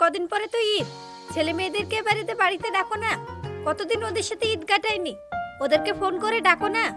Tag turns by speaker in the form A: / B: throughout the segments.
A: কদিন পরে তো ঈদ, ছেলে মেয়েদেরকে বাড়িতে ডাকো না। কতদিন ওদের সাথে ঈদ কাটায়নি, ওদেরকে ফোন করে ডাকো না।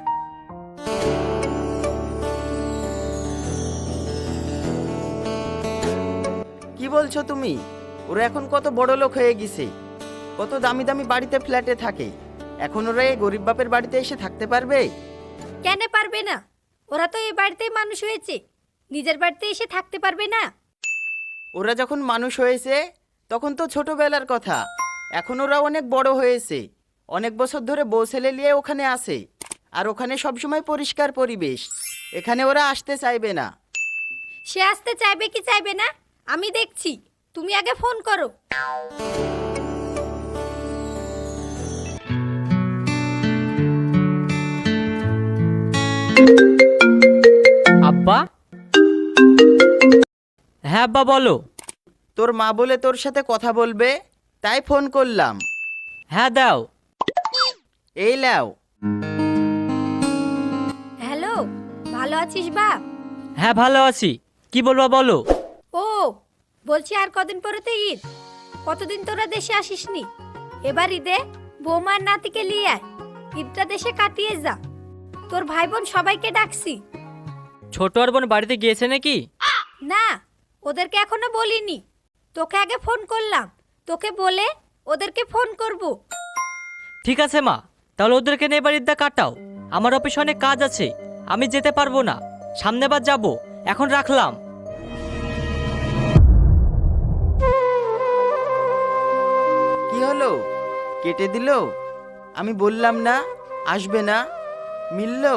B: কি বলছো তুমি? ওরা এখন কত বড় লোক হয়ে গেছে, কত দামি দামি বাড়িতে ফ্ল্যাটে থাকে। এখন ওরা এই গরিব বাপের বাড়িতে এসে থাকতে পারবে?
A: কেন পারবে না? ওরা তো এই বাড়িতেই মানুষ হয়েছে, নিজের বাড়িতে এসে থাকতে পারবে না?
B: ওরা যখন মানুষ হয়েছে তখন তো ছোটবেলার কথা। এখন ওরা অনেক বড় হয়েছে, অনেক বছর ধরে বউ ছেলে নিয়ে ওখানে আসে, আর ওখানে সবসময় পরিষ্কার পরিবেশ। এখানে ওরা আসতে চাইবে না।
A: সে আসতে চাইবে কি চাইবে না আমি দেখছি, তুমি আগে ফোন করো।
C: আব্বা? হ্যাঁ আব্বা বলো।
B: তোর মা বলে তোর সাথে কথা বলবে, তাই ফোন করলাম।
C: হ্যাঁ দাও।
B: এই লাও।
A: হ্যালো, ভালো আছিস বাপ?
C: হ্যাঁ ভালো আছি, কি বলবা বলো।
A: ও বলছি, আর কদিন পরে তো ঈদ, কতদিন তোরা দেশে আসিসনি। এবার ঈদে বৌমার নাতিকে নিয়ে আয়, ঈদটা দেশে কাটিয়ে যা। তোর ভাই বোন সবাইকে ডাকছি।
C: ছোট আর বোন বাড়িতে গিয়েছে নাকি?
A: না, ওদেরকে এখনো বলিনি, তোকে আগে ফোন করলাম, তোকে বলে ওদেরকে ফোন করব।
C: ঠিক আছে মা, তাহলে ওদেরকে নিয়ে এবার ঈদটা কাটাও। আমার অফিসে অনেক কাজ আছে, আমি যেতে পারবো না, সামনেবার যাব। এখন রাখলাম।
B: কি হলো, কেটে দিল? আমি বললাম না আসবে না, মিললো।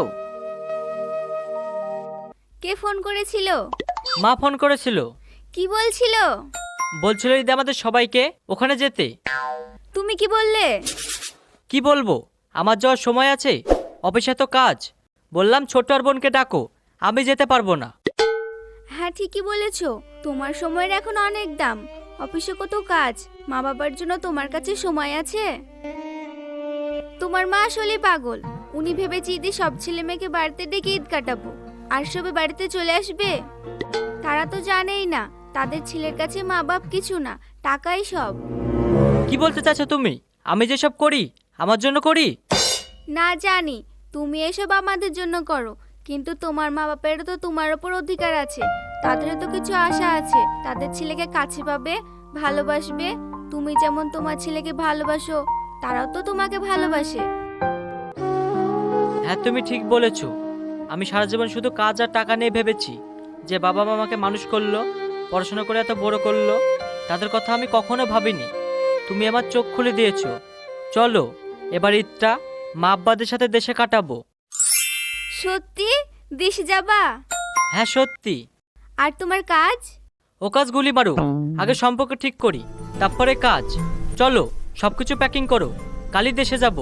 A: কে ফোন করেছিল?
C: মা ফোন করেছিল,
A: কি বলছিল?
C: বলছিল ঈদে আমাদের সবাইকে ওখানে যেতে।
A: তুমি কি বললে?
C: কি বলবো, আমার যাওয়ার সময় আছে, অফিসে তো কাজ। বললাম ছোট আর বোনকে ডাকো, আমি যেতে পারবো না।
A: হ্যাঁ ঠিকই বলেছো, তোমার সময়ের এখন অনেক দাম, অফিসে কত কাজ, মা বাবার জন্য তোমার কাছে সময় আছে? তোমার মা আসলে পাগল, উনি ভেবেছে ঈদে সব ছেলে মেয়েকে বাড়িতে ডেকে ঈদ কাটাবো, আর সবে বাড়িতে চলে আসবে। তারা তো জানেই না তাদের ছেলের কাছে মা বাপ কিছু না, টাকাই সব।
C: কি বলতে চাচ্ছো তুমি? আমি যেসব করি আমার জন্য করি?
A: না জানি তুমি এসব আমাদের জন্য করো, কিন্তু তোমার মা বাপেরও তো তোমার ওপর অধিকার আছে, তাদেরও তো কিছু আশা আছে, তাদের ছেলেকে কাছে পাবে, ভালোবাসবে। তুমি যেমন তোমার ছেলেকে ভালোবাসো, তারাও তো তোমাকে ভালোবাসে।
C: হ্যাঁ তুমি ঠিক বলেছো। আমি সারা জীবন শুধু কাজ আর টাকা নিয়ে ভেবেছি যে বাবা মা আমাকে মানুষ করলো, পড়াশোনা করে এত বড় করলো, তাদের কথা আমি কখনো ভাবিনি। তুমি আমার চোখ খুলে দিয়েছো। চলো এবার ঈদটা মা আব্বাদের সাথে দেশে কাটাবো।
A: সত্যি দেশে যাবা?
C: হ্যাঁ সত্যি।
A: আর তোমার কাজ?
C: ও কাজ গুলি মারুক, আগে সম্পর্ক ঠিক করি, তারপরে কাজ। চলো সবকিছু প্যাকিং করো, কালই দেশে যাব।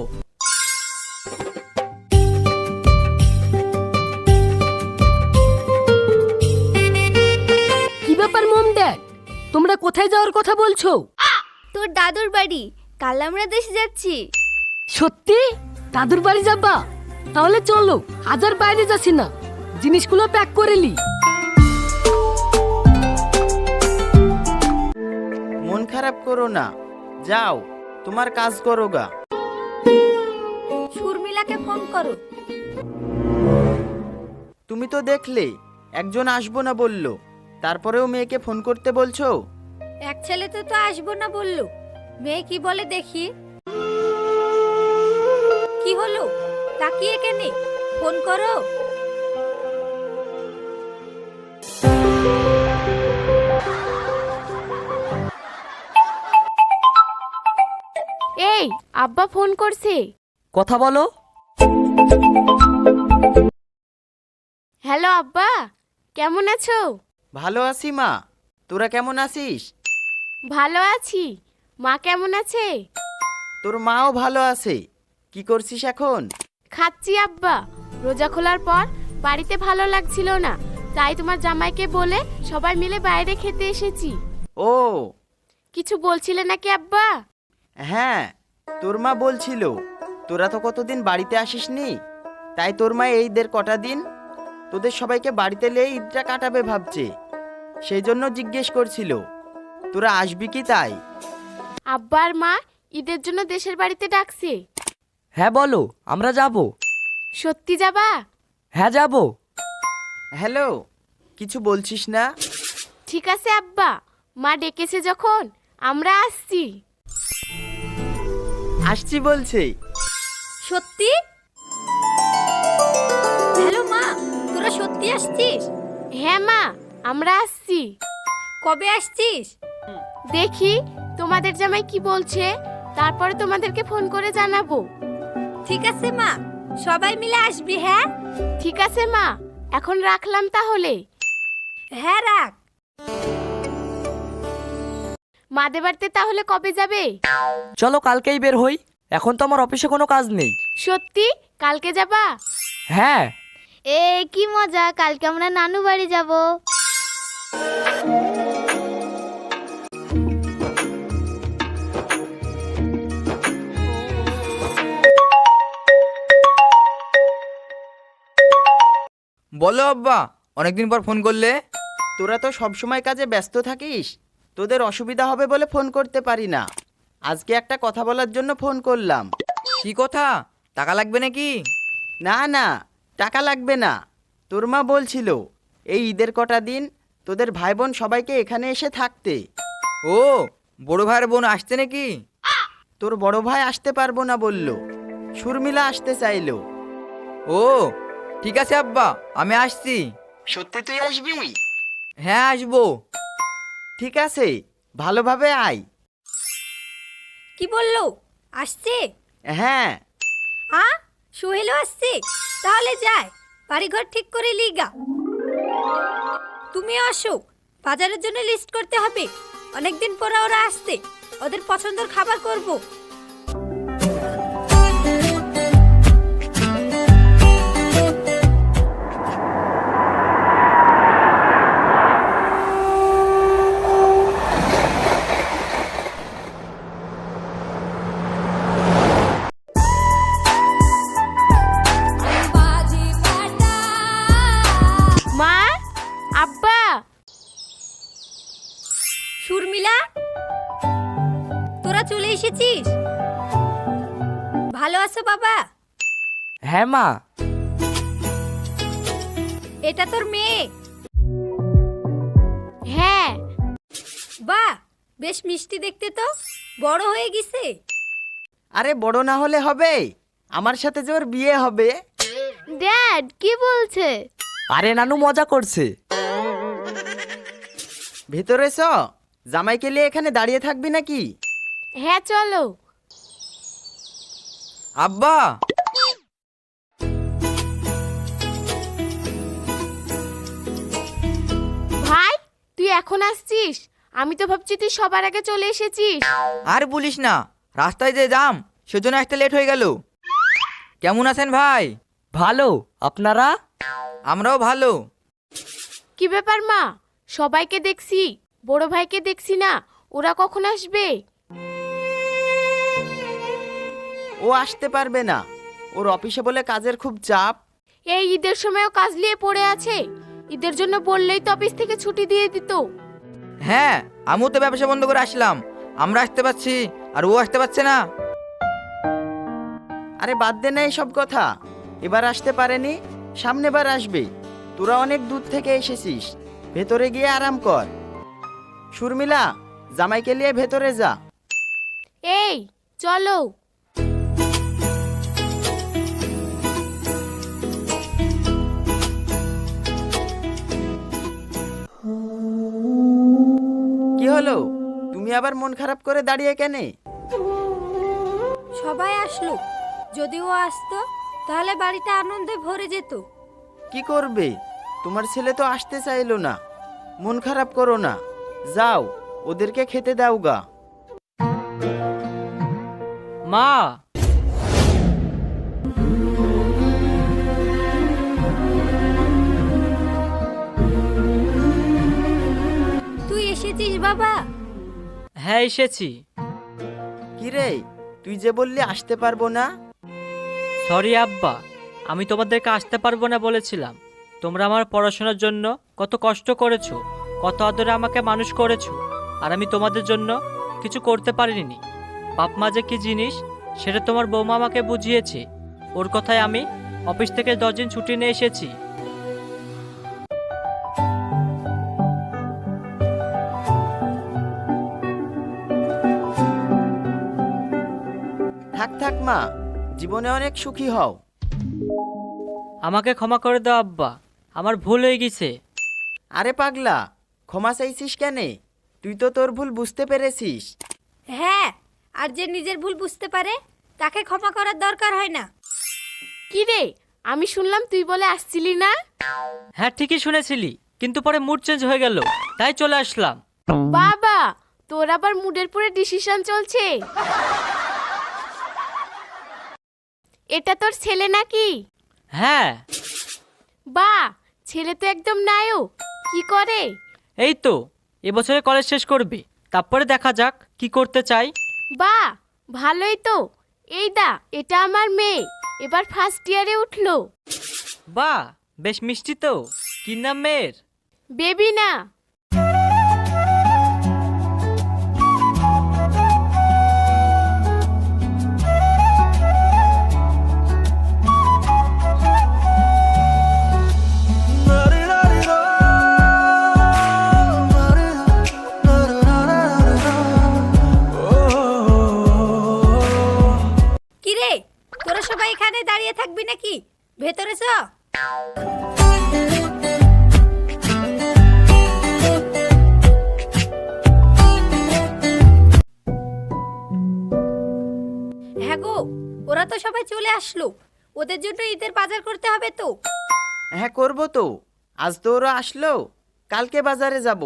D: কি ব্যাপার মম ড্যাড, তোমরা কোথায় যাওয়ার কথা বলছো?
A: তোর দাদুর বাড়ি, কাল আমরা দেশে যাচ্ছি।
D: সত্যি? দাদুর বাড়ি যাবা? তাহলে চলো, আজ আর বাইরে যাচ্ছি না, জিনিসগুলো প্যাক করে লি।
B: মন খারাপ করো না, যাও তোমার কাজ করো গা।
A: শর্মিলাকে ফোন করো।
B: তুমি তো দেখলে একজন আসবো না বললো, তারপরেও মেয়েকে ফোন করতে বলছো।
A: এক ছেলেতে তো আসবো না বললো, মেয়ে কি বলে দেখি। কি হলো, তাকিয়ে কেনে, ফোন করো।
E: এই আব্বা ফোন করছে।
C: কথা বলো।
E: হ্যালো আব্বা, কেমন আছো?
B: ভালো আছি মা, তোরা কেমন আছিস?
E: ভালো আছি। মা কেমন আছে?
B: তোর মাও ভালো আছে। কি করছিস এখন?
E: খাচ্ছি আব্বা। রোজা খোলার পর বাড়িতে ভালো লাগছিল না, তাই তোমার জামাইকে বলে সবাই মিলে বাইরে খেতে এসেছি।
B: ও
E: কিছু বলছিলে নাকি আব্বা?
B: হ্যাঁ, তোর মা বলছিল তোরা তো কতদিন বাড়িতে আসিসনি, তাই তোর মা এই ঈদের কটা দিন তোদের সবাইকে বাড়িতে নিয়ে ঈদটা কাটাবে ভাবছে, সেই জন্য জিজ্ঞেস করছিল। তোরা আসবি কি তাই?
E: আব্বা আর মা ঈদের জন্য দেশের বাড়িতে ডাকছে।
F: হ্যাঁ বলো, আমরা যাব।
E: সত্যি যাবা?
F: হ্যাঁ যাব।
B: হ্যালো, কিছু বলছিস না?
E: ঠিক আছে আব্বা, মা ডেকেছে যখন আমরা আসছি।
B: আসছি বলছে।
A: সত্যি? হ্যালো মা, তোরা সত্যি আসছিস?
E: হ্যাঁ মা, আমরা আসছি।
A: কবে আসছিস?
E: দেখি তোমাদের জামাই কি বলছে, তারপরে তোমাদেরকে ফোন করে জানাবো।
A: ঠিক আছে মা, সবাই মিলে আসবি। হ্যাঁ
E: ঠিক আছে মা, এখন রাখলাম তাহলে।
A: হ্যাঁ রাখ।
E: মাদের বাড়িতে তাহলে কবে যাবে?
F: চলো কালকেই বের হই, এখন তো আমার অফিসে কোনো কাজ নেই।
E: সত্যি কালকে যাবা?
F: হ্যাঁ।
A: এ কি মজা, কালকে আমরা নানু বাড়ি যাব।
G: বলো আব্বা, অনেকদিন পর ফোন করলে।
B: তোরা তো সব সময় কাজে ব্যস্ত থাকিস, তোদের অসুবিধা হবে বলে ফোন করতে পারি না। আজকে একটা কথা বলার জন্য ফোন করলাম।
G: কি কথা? টাকা লাগবে নাকি?
B: না না, টাকা লাগবে না। তোর মা বলছিল এই ঈদের কটা দিন তোদের ভাই বোন সবাইকে এখানে এসে থাকতে।
G: ও, বড় ভাইয়ের বোন আসছে নাকি?
B: তোর বড় ভাই আসতে পারবো না বলল, শর্মিলা আসতে চাইলো।
G: ও ঠিক আছে আব্বা, আমি আসছি।
B: সত্যি তুই আসবি?
G: হ্যাঁ আসবো।
B: ঠিক আছে, ভালোভাবে আয়।
A: কি বললো? আসছে?
B: হ্যাঁ।
A: সোহেলও আসছে? তাহলে যায়, বাড়িঘর ঠিক করে লিগা। তুমি আসো, বাজারের জন্য লিস্ট করতে হবে। অনেকদিন পরে ওরা আসছে, ওদের পছন্দের খাবার করব।
E: মা, আব্বা।
A: শর্মিলা, তোরা চলে এসেছিস? ভালো আছো বাবা?
F: হ্যাঁ মা।
A: এটা তোর মেয়ে?
E: হ্যাঁ।
A: বাহ, বেশ মিষ্টি দেখতে তো, বড় হয়ে গেছে।
B: আরে বড় না হলে হবে, আমার সাথে যে ওর বিয়ে হবে।
E: ড্যাড কি বলছে?
F: আরে নানু মজা করছে।
B: ভেতরে চ, জামাইকে নিয়ে এখানে দাঁড়িয়ে থাকবি নাকি?
E: হ্যাঁ চলো।
G: আব্বা,
E: ভাই তুই এখন আসছিস? আমি তো ভাবছি তুই সবার আগে চলে এসেছিস।
G: আর বলিস না, রাস্তায় যে জাম, সেজন্য একটা লেট হয়ে গেল। কেমন আছেন ভাই?
F: ভালো, আপনারা?
G: আমরাও ভালো।
E: কি ব্যাপার মা, সবাইকে দেখছি, বড় ভাইকে দেখছি না, ওরা কখন আসবে?
B: ও আসতে পারবে না, ওর অফিসে বলে কাজের খুব চাপ।
E: এই ঈদের সময়ও কাজ নিয়ে পড়ে আছে, ঈদের জন্য বললেই তো অফিস থেকে ছুটি দিয়ে দিত।
G: হ্যাঁ, আমিও তো ব্যবসা বন্ধ করে আসলাম, আমরা আসতে পারছি আর ও আসতে পারছে না।
B: আরে বাদ দে না এসব কথা, এবার আসতে পারেনি, সামনেবার আসবে। তোরা অনেক দূর থেকে এসেছিস, ভেতরে গিয়ে আরাম কর। শর্মিলা, জামাইকে নিয়ে ভেতরে যা।
E: এই চলো।
B: কি হলো, তুমি আবার মন খারাপ করে দাঁড়িয়ে কেনে?
A: সবাই আসলো, যদিও আসতো তাহলে বাড়িটা আনন্দে ভরে যেত।
B: কি করবে, তোমার ছেলে তো আসতে চাইলো না। মন খারাপ করো না, যাও ওদেরকে খেতে দাও গা।
C: মা,
A: তুই এসেছিস বাবা?
C: হ্যাঁ এসেছি।
B: কি রে, তুই যে বললি আসতে পারবো না?
C: সরি আব্বা, আমি তোমাদেরকে আসতে পারবো না বলেছিলাম। তোমরা আমার পড়াশোনার জন্য কত কষ্ট করেছো, কত আদরে আমাকে মানুষ করেছো, আর আমি তোমাদের জন্য কিছু করতে পারিনি। বাপ মা যে কি জিনিস সেটা তোমার বৌমা আমাকে বুঝিয়েছে। ওর কথায় আমি অফিস থেকে 10 দিন ছুটি নিয়ে এসেছি।
B: থাক থাক মা, জীবনে অনেক সুখী হও।
C: আমাকে ক্ষমা করে দাও আব্বা, আমার ভুল হয়ে গেছে।
B: আরে পাগলা, ক্ষমা চাইছিস কেনে? তুই তো তোর ভুল বুঝতে পেরেছিস।
A: হ্যাঁ, আর যে নিজের ভুল বুঝতে পারে তাকে ক্ষমা করার দরকার হয় না।
E: কি রে, আমি শুনলাম তুই বলে আসছিলি না?
C: হ্যাঁ ঠিকই শুনেছিলি, কিন্তু পরে মুড চেঞ্জ হয়ে গেল, তাই চলে আসলাম।
E: বাবা, তোর আবার মুডের পরে ডিসিশন চলছে? এটা তোর ছেলে নাকি?
C: হ্যাঁ।
E: বা, ছেলে তো একদম নায়ক। কি করে?
C: এই তো এবছরে কলেজ শেষ করবে, তারপরে দেখা যাক কি করতে চাই।
E: বা, ভালোই তো। এই দা, এটা আমার মেয়ে, এবার ফার্স্ট ইয়ারে উঠলো।
C: বাহ, বেশ মিষ্টি তো। কি নাম মেয়ের?
E: বেবি না।
A: কি রে, তোরা সবাই এখানে দাঁড়িয়ে থাকবি নাকি? ভেতরে চ। হ্যাঁ গো, ওরা তো সবাই চলে আসলো, ওদের জন্য ঈদের বাজার করতে হবে তো।
B: হ্যাঁ করবো তো, আজ তো ওরা আসলো, কালকে বাজারে যাব।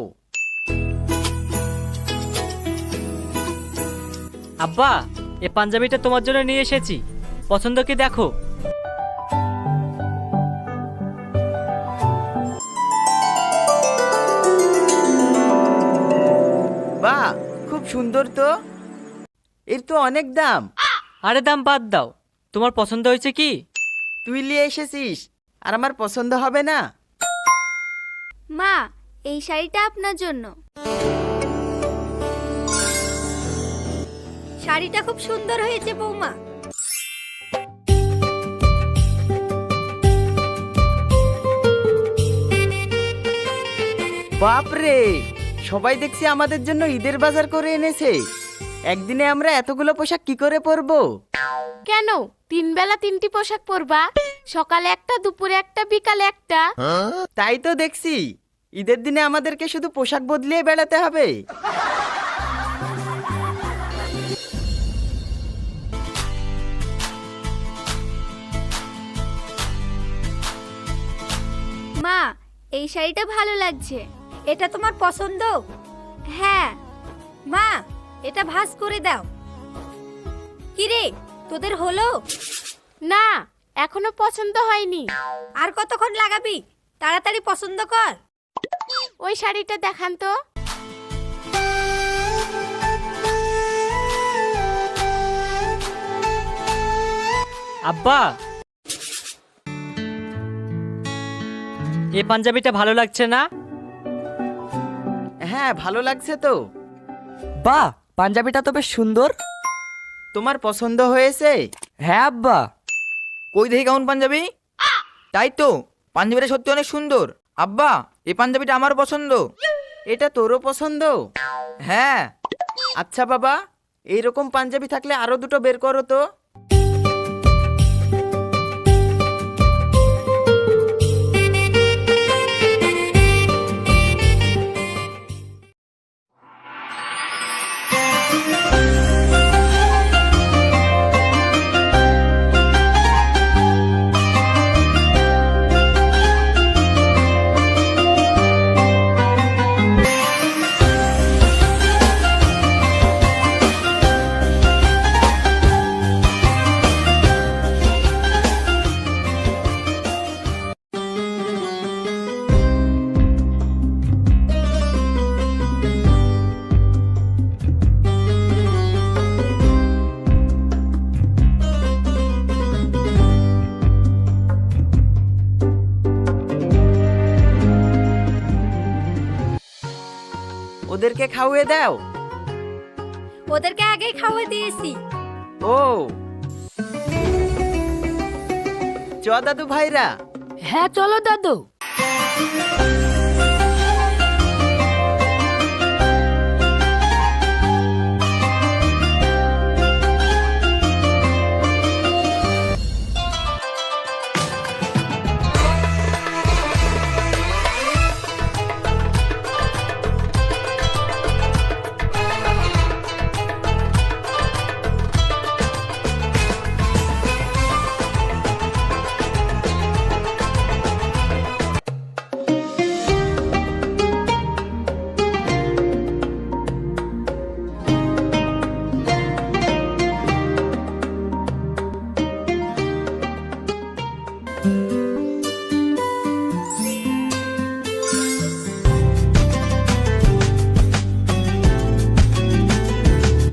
C: আব্বা, এই পাঞ্জাবিটা তোমার জন্য নিয়ে এসেছি, পছন্দ কি দেখো।
B: বাহ, খুব সুন্দর তো। এর তো অনেক দাম।
C: আরে দাম বাদ দাও, তোমার পছন্দ হয়েছে কি?
B: তুই নিয়ে এসেছিস, আর আমার পছন্দ হবে না?
A: মা, এই শাড়িটা আপনার জন্য। শাড়িটা খুব সুন্দর হয়েছে বৌমা।
B: বাপরে, সবাই দেখছি আমাদের জন্য ঈদের বাজার করে এনেছে। একদিনে আমরা এতগুলো পোশাক কি করে পরবো?
E: কেন, 3 বেলা 3টি পোশাক পরবা? সকালে একটা, দুপুরে একটা, বিকালে একটা।
B: তাই তো দেখছি, ঈদের দিনে আমাদেরকে শুধু পোশাক বদলিয়ে বেড়াতে হবে।
A: মা, এই শাড়িটা ভালো লাগছে, এটা তোমার পছন্দ? হ্যাঁ। মা, এটা ভাঁজ করে দাও। কি রে, তোদের হলো?
E: না, এখনো পছন্দ হয়নি।
A: আর কতক্ষণ লাগাবি? তাড়াতাড়ি পছন্দ কর।
E: ওই শাড়িটা দেখান তো।
C: আব্বা, এই পাঞ্জাবিটা ভালো লাগছে না?
B: হ্যাঁ, ভালো লাগছে তো।
F: বাহ, পাঞ্জাবিটা তো বেশ সুন্দর।
B: তোমার পছন্দ হয়েছে?
F: হ্যাঁ আব্বা।
G: কই দেখি কেমন পাঞ্জাবি? তাই তো, পাঞ্জাবিটা সত্যি অনেক সুন্দর। আব্বা, এই পাঞ্জাবিটা আমার পছন্দ।
B: এটা তোরও পছন্দ?
G: হ্যাঁ।
B: আচ্ছা বাবা, এইরকম পাঞ্জাবি থাকলে আরো দুটো বের করো তো। ওদেরকে খাওয়িয়ে দাও।
A: ওদেরকে আগেই খাওয়া দিয়েছি।
B: ও চ দাদু ভাইরা।
D: হ্যাঁ চলো দাদু।